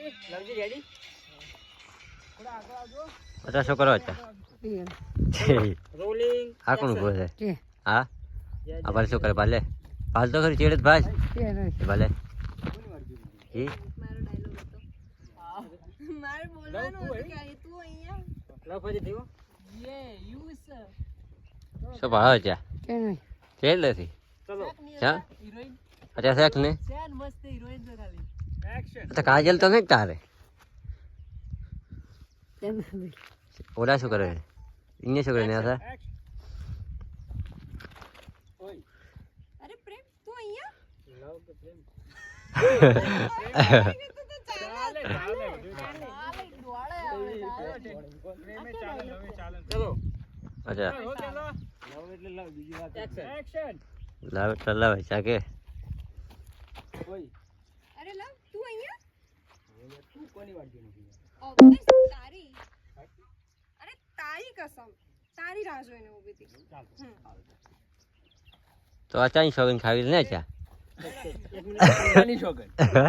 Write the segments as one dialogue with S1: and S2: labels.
S1: બધા શું કરો હતા આ કોણ ઉભો છે હા આ ભાઈ શું કરે ભાલે ભાલ તો ખરી ચેડે ભાઈ ભાલે ઈ
S2: મારે બોલવાનું હતું કે અહીં તું અહીંયા
S3: લવ પછી થયો
S1: શું ભાવ છે ચેડ નથી
S3: ચલો
S1: ચા અચ્છા શેખ ને
S2: મસ્ત હિરોઈન તો ખાલી
S3: એક્શન
S1: તો કાજલ તો નહીં તારે ઓલા શું કરે ઇને શું કરે ને આ
S3: ઓય
S2: અરે પ્રેમ તું અહીંયા
S3: લવ કે પ્રેમ
S2: ચાલે
S3: ચાલે
S2: દોડે આવે
S3: પ્રેમે ચાલે હવે ચાલે ચલો
S1: અચ્છા
S3: હો ચલો લવ એટલે લવ બીજી વાત એક્શન
S1: લાવ એટલે લાવ ચાકે
S3: ઓય
S2: અરે લવ તું અહીંયા
S3: તું કોની વાત જોઈ નથી
S2: ઓબ્વિયસ તારી અરે તારી કસમ તારી રાહ જોઈને ઊભી હતી
S3: ચાલ
S1: તો આ ચાઈ સોગન ખાવી ને ચા
S3: એક મિનિટ કોની શોગન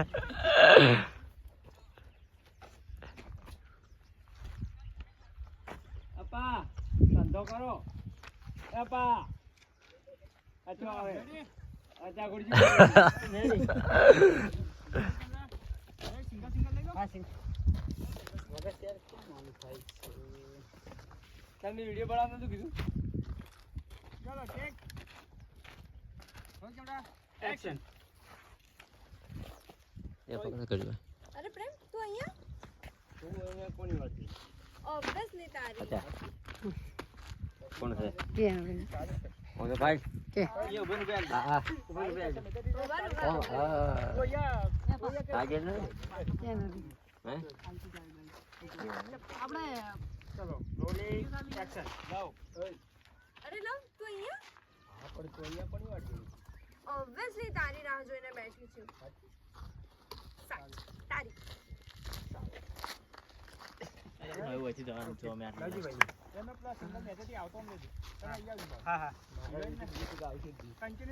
S3: અપા ધંધો કરો અપા અચો આવે અચા ગુડજી મેરી સિંગલ લઈ લો હા સિંગલ વગર શેર કેમ માનું થાય છે તમને વિડિયો બનાવવાનું તો કીધું ચલો ટેક હો કેમડા એક્શન
S1: એ પકડ કર્યો
S2: અરે પ્રેમ તું અહીંયા
S3: તું અહીંયા કોની વાત છે
S2: ઓબ્વિયસલી તારી
S1: અચ્છા કોણ છે કોણ છે ભાઈ
S3: ये उभे उभे
S1: હા હા
S3: उभे उभे
S2: ઉભા
S1: ઓ
S2: ઉભા
S3: ओ या
S1: કાજલ ને હે
S2: આપણે
S3: चलो रोलिंग एक्शन लाओ
S2: અરે લવ તું અહીંયા
S3: હા પણ તો અહીંયા પણ વાત જોઈ
S2: ઓબ્વિયસલી તારી રાહ જોઈને બેઠી છું તારી
S3: રાજીભાઈ એનો પ્લસ સિંગલ મેસેજ આવતો નથી તમે અહીંયા હા હા કન્ટિન્યુ